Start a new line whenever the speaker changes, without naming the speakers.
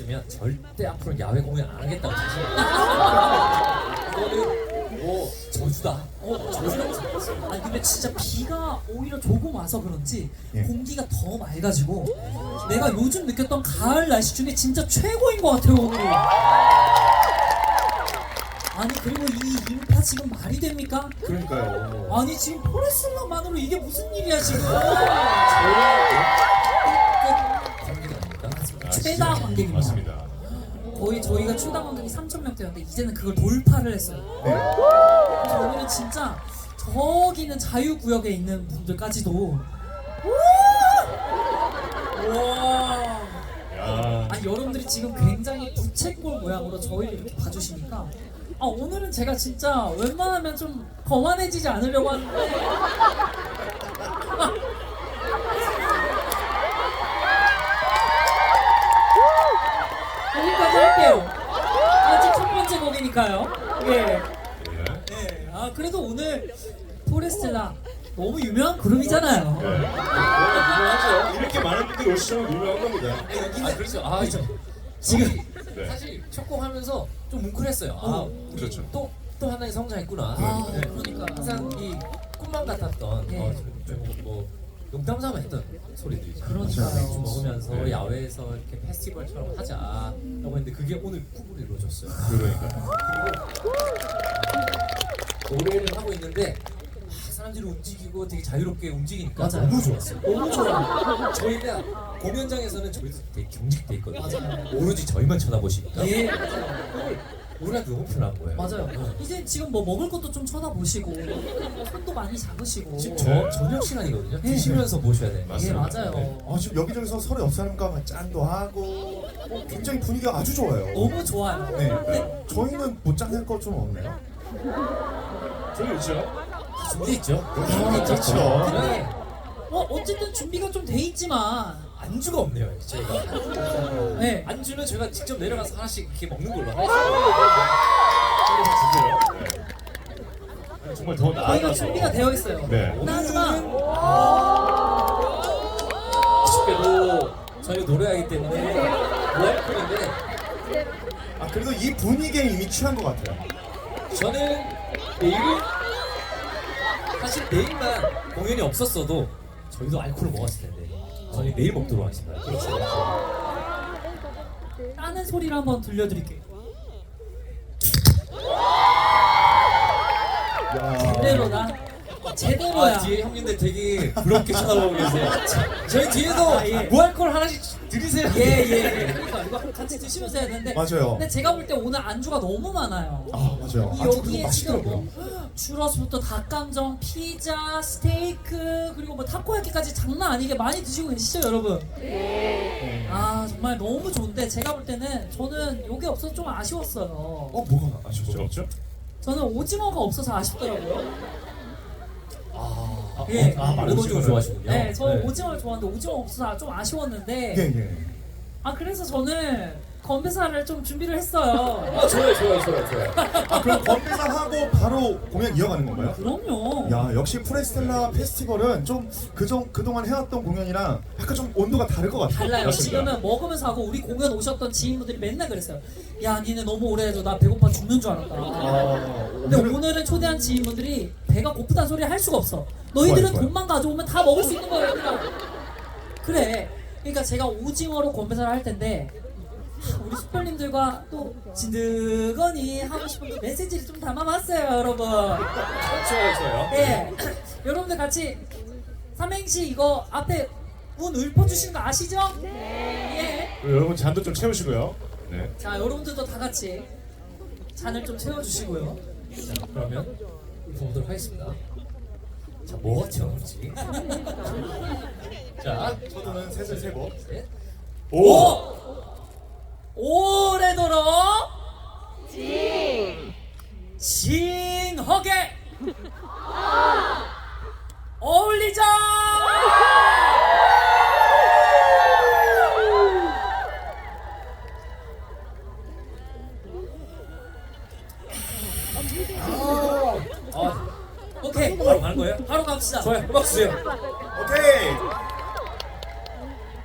했으면 절대 앞으로 야외 공연 안 하겠다고 자신. 이거는 뭐 저주다. 저주다.
아니 근데 진짜 비가 오히려 조금 와서 그런지
예.
공기가 더 맑아지고 내가 요즘 느꼈던 가을 날씨 중에 진짜 최고인 것 같아요 오늘이. 아니 그리고 이 인파 지금 말이 됩니까?
그러니까요.
아니 지금 포레슬러만으로 이게 무슨 일이야 지금?
관객이 아닙니까?
최다 관객입니다.
맞습니다.
거의 저희가 최다 관객이 3,000명대였는데 이제는 그걸 돌파를 했어요.
네.
그래서 오늘은 진짜 저기는 자유구역에 있는 분들까지도 와.
야,
아니 여러분들이 지금 굉장히 부채꼴 모양으로 저희를 이렇게 봐주시니까 오늘은 제가 진짜 웬만하면 좀 거만해지지 않으려고 하는데 여기까지 할게요. 아직 첫 번째 곡이니까요. 예.
네.
네. 그래도 오늘 포레스텔라 너무 유명한 그룹이잖아요.
유명하죠.
이렇게 많은 분들이 오시면 유명한 겁니다.
아 그렇죠. 아
지금
네.
사실 첫 곡 하면서 좀 뭉클했어요. 우리
그렇죠.
또 하나의 성장했구나.
아,
네.
그러니까.
항상 이 꿈만 같았던
네.
뭐 농담 삼아 했던 소리들이죠.
그러니까요.
맥주 먹으면서
네.
야외에서 이렇게 페스티벌처럼 하자라고 했는데 그게 오늘 꿈으로 이루어졌어요.
그러니까.
노래를 하고 있는데 사람들이 움직이고 되게 자유롭게 움직이니까
맞아요.
너무 좋았어요.
너무 좋아요.
저희가 공연장에서는 저희도 되게 경직돼 있거든요.
맞아요.
오로지 저희만 쳐다보시니까
예.
우리가 너무 편한 거예요.
맞아요. 이제 지금 뭐 먹을 것도 좀 쳐다보시고 손도 많이 잡으시고.
지금
네.
저녁 시간이거든요.
네.
드시면서 보셔야 돼요.
예
맞습니다.
맞아요.
네.
지금 여기저기서 서로 옆 사람과 짠도 하고 굉장히 분위기가 아주 좋아요.
너무 좋아요.
네. 저희는 뭐 짠할 거 좀 없나요?
저기 있죠?
준비 있죠?
그렇죠.
근데 어쨌든 준비가 좀 돼 있지만
안주가 없네요, 저희가.
네.
안주는 저희가 직접 내려가서 하나씩 이렇게 먹는 걸로 하겠습니다.
아니, 정말 더 나아가서.
저희가 준비가 되어 있어요.
네.
하지만
아쉽게도 저희가 노래하기 때문에 무알콜인데
그래도 이 분위기에 이미 취한 것 같아요.
저는 내일은 사실 내일만 공연이 없었어도 저희도 알코올을 먹었을 텐데 저희 내일 먹도록 하겠습니다.
따는 소리를 한번 들려드릴게요. 제대로다. 제대로야.
뒤에 형님들 되게 부럽게 쳐다보고 계세요. 저희 뒤에도
예.
무알콜 하나씩 드리세요.
예예. 그러니까 이거 같이 드시면서 해야 되는데.
맞아요.
근데 제가 볼 때 오늘 안주가 너무 많아요.
맞아요.
이
그리고
여기에
맛있더라고요.
지금 추러스부터 닭강정, 피자, 스테이크 그리고 뭐 타코야키까지 장난 아니게 많이 드시고 계시죠 여러분? 네. 정말 너무 좋은데 제가 볼 때는 저는 요게 없어서 좀 아쉬웠어요.
뭐가
아쉽죠? 없죠?
저는 오징어가 없어서 아쉽더라고요.
마른 오징어 좋아하시군요.
네, 저 오징어를 좋아하는데 오징어 없어서 좀 아쉬웠는데
예.
그래서 저는 건배사를 좀 준비를 했어요.
좋아요.
그럼 건배사 하고 바로 공연 이어가는 건가요?
그럼요.
야, 역시 프레스텔라 페스티벌은 좀 그동안 해왔던 공연이랑 약간 좀 온도가 다를 것 같아요.
달라요.
맞습니다.
지금은 먹으면서 하고 우리 공연 오셨던 지인분들이 맨날 그랬어요. 야, 니네 너무 오래 해줘. 나 배고파 죽는 줄 알았다. 근데 오늘은 초대한 지인분들이 배가 고프다는 소리 할 수가 없어. 너희들은
좋아요.
돈만 가져오면 다 먹을 수 있는 거야. 얘들아. 그래. 그러니까 제가 오징어로 건배사를 할 텐데 우리 숙별님들과 또 진드건이 하고 싶은 그 메시지를 좀 담아봤어요, 여러분.
좋아요.
예. 여러분들 같이 삼행시 이거 앞에 운 읊어주시는 거 아시죠? 네.
그리고 여러분 잔도 좀 채우시고요. 네.
자, 여러분들도 다 같이 잔을 좀 채워주시고요.
자, 그러면 보도록 하겠습니다. 자, 뭐가 튀어나올지. 자,
저도는 셋을 세고.
셋.
오!
오래도록 징하게 어울리자. 오케이,
바로 가는 거예요?
바로 갑시다.
좋아요. 음악 주세요.
오케이.